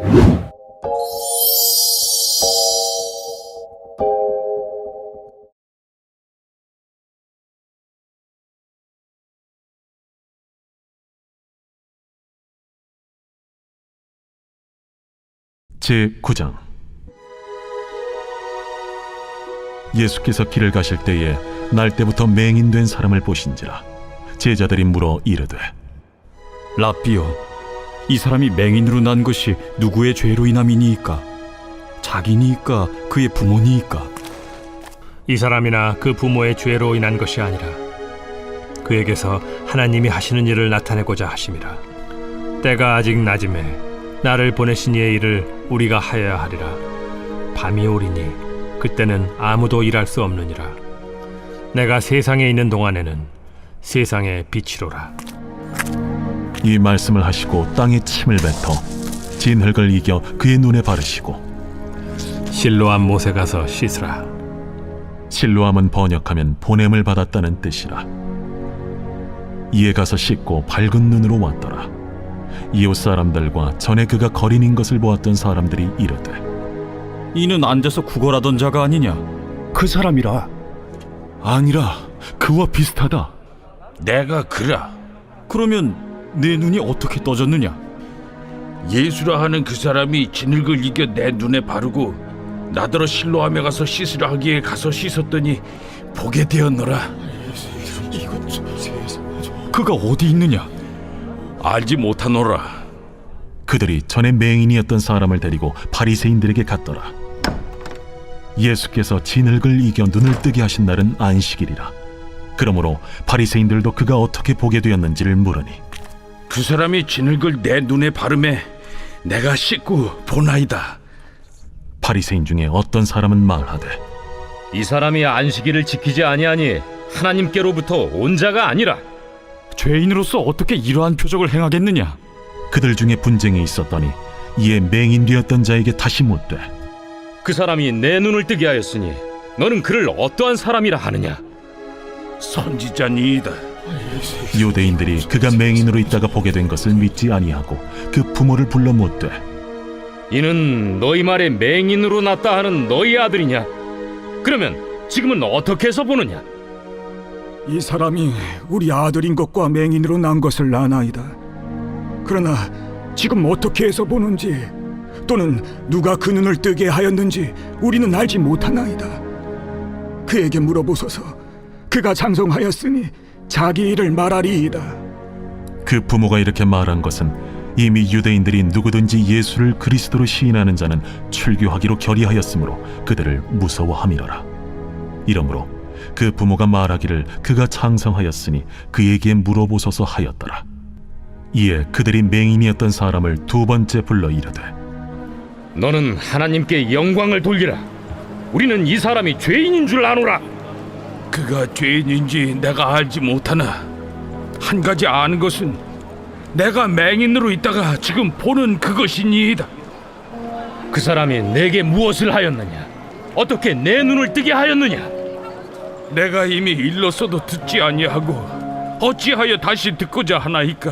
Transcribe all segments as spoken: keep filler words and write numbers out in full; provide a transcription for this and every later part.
제구 장. 예수께서 길을 가실 때에 날 때부터 맹인된 사람을 보신지라. 제자들이 물어 이르되, 랍비여, 이 사람이 맹인으로 난 것이 누구의 죄로 인함이니이까? 자기니이까 그의 부모니이까? 이 사람이나 그 부모의 죄로 인한 것이 아니라 그에게서 하나님이 하시는 일을 나타내고자 하심이라. 때가 아직 낮음에 나를 보내신 이의 일을 우리가 하여야 하리라. 밤이 오리니 그때는 아무도 일할 수 없느니라. 내가 세상에 있는 동안에는 세상의 빛이로라. 이 말씀을 하시고 땅에 침을 뱉어 진흙을 이겨 그의 눈에 바르시고, 실로암 못에 가서 씻으라. 실로암은 번역하면 보냄을 받았다는 뜻이라. 이에 가서 씻고 밝은 눈으로 왔더라. 이웃 사람들과 전에 그가 거린인 것을 보았던 사람들이 이르되, 이는 앉아서 구걸하던 자가 아니냐? 그 사람이라. 아니라 그와 비슷하다. 내가 그라. 그러면 내 눈이 어떻게 떠졌느냐? 예수라 하는 그 사람이 진흙을 이겨 내 눈에 바르고 나더러 실로암에 가서 씻으라 하기에 가서 씻었더니 보게 되었노라. 그가 어디 있느냐? 알지 못하노라. 그들이 전에 맹인이었던 사람을 데리고 바리새인들에게 갔더라. 예수께서 진흙을 이겨 눈을 뜨게 하신 날은 안식일이라. 그러므로 바리새인들도 그가 어떻게 보게 되었는지를 물으니, 그 사람이 진흙을 내 눈에 바르매 내가 씻고 보나이다. 바리새인 중에 어떤 사람은 말하되, 이 사람이 안식일을 지키지 아니하니 하나님께로부터 온 자가 아니라. 죄인으로서 어떻게 이러한 표적을 행하겠느냐? 그들 중에 분쟁이 있었더니 이에 맹인되었던 자에게 다시 묻되, 그 사람이 내 눈을 뜨게 하였으니 너는 그를 어떠한 사람이라 하느냐? 선지자니이다. 유대인들이 그가 맹인으로 있다가 보게 된 것을 믿지 아니하고 그 부모를 불러 묻되, 이는 너희 말에 맹인으로 났다 하는 너희 아들이냐? 그러면 지금은 어떻게 해서 보느냐? 이 사람이 우리 아들인 것과 맹인으로 난 것을 아나이다. 그러나 지금 어떻게 해서 보는지 또는 누가 그 눈을 뜨게 하였는지 우리는 알지 못하나이다. 그에게 물어보소서. 그가 장성하였으니 자기 일을 말하리이다. 그 부모가 이렇게 말한 것은 이미 유대인들이 누구든지 예수를 그리스도로 시인하는 자는 출교하기로 결의하였으므로 그들을 무서워함이로라. 이러므로 그 부모가 말하기를 그가 장성하였으니 그에게 물어보소서 하였더라. 이에 그들이 맹인이었던 사람을 두 번째 불러 이르되, 너는 하나님께 영광을 돌리라. 우리는 이 사람이 죄인인 줄 아노라. 그가 죄인인지 내가 알지 못하나 한 가지 아는 것은 내가 맹인으로 있다가 지금 보는 그것이니이다. 그 사람이 내게 무엇을 하였느냐? 어떻게 내 눈을 뜨게 하였느냐? 내가 이미 일렀어도 듣지 아니하고 어찌하여 다시 듣고자 하나이까?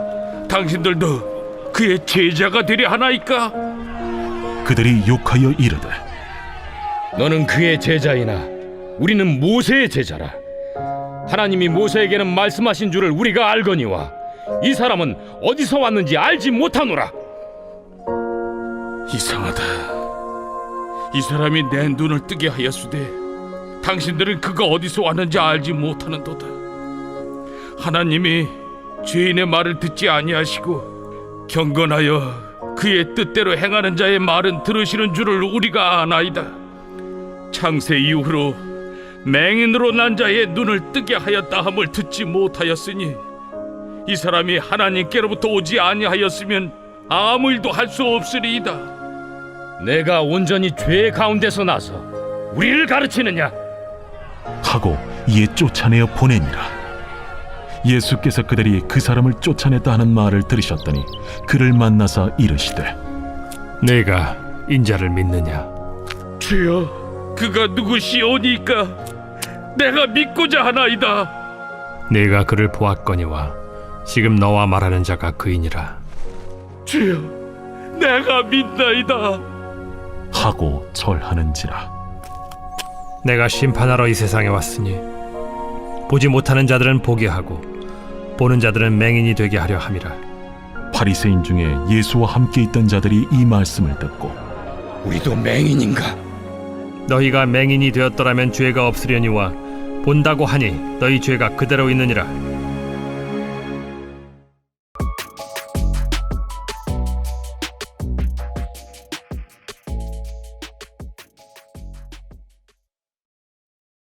당신들도 그의 제자가 되려 하나이까? 그들이 욕하여 이르되, 너는 그의 제자이나 우리는 모세의 제자라. 하나님이 모세에게는 말씀하신 줄을 우리가 알거니와 이 사람은 어디서 왔는지 알지 못하노라. 이상하다. 이 사람이 내 눈을 뜨게 하였으되 당신들은 그가 어디서 왔는지 알지 못하는도다. 하나님이 죄인의 말을 듣지 아니하시고 경건하여 그의 뜻대로 행하는 자의 말은 들으시는 줄을 우리가 아나이다. 창세 이후로 맹인으로 난 자의 눈을 뜨게 하였다 함을 듣지 못하였으니 이 사람이 하나님께로부터 오지 아니하였으면 아무 일도 할 수 없으리이다. 내가 온전히 죄 가운데서 나서 우리를 가르치느냐? 하고 이에 쫓아내어 보내니라. 예수께서 그들이 그 사람을 쫓아냈다 하는 말을 들으셨더니 그를 만나사 이르시되, 내가 인자를 믿느냐? 주여, 그가 누구시오니까 내가 믿고자 하나이다. 내가 그를 보았거니와 지금 너와 말하는 자가 그이니라. 주여, 내가 믿나이다. 하고 절하는지라. 내가 심판하러 이 세상에 왔으니 보지 못하는 자들은 보게 하고 보는 자들은 맹인이 되게 하려 함이라. 바리새인 중에 예수와 함께 있던 자들이 이 말씀을 듣고 우리도 맹인인가? 너희가 맹인이 되었더라면 죄가 없으려니와 본다고 하니 너희 죄가 그대로 있느니라.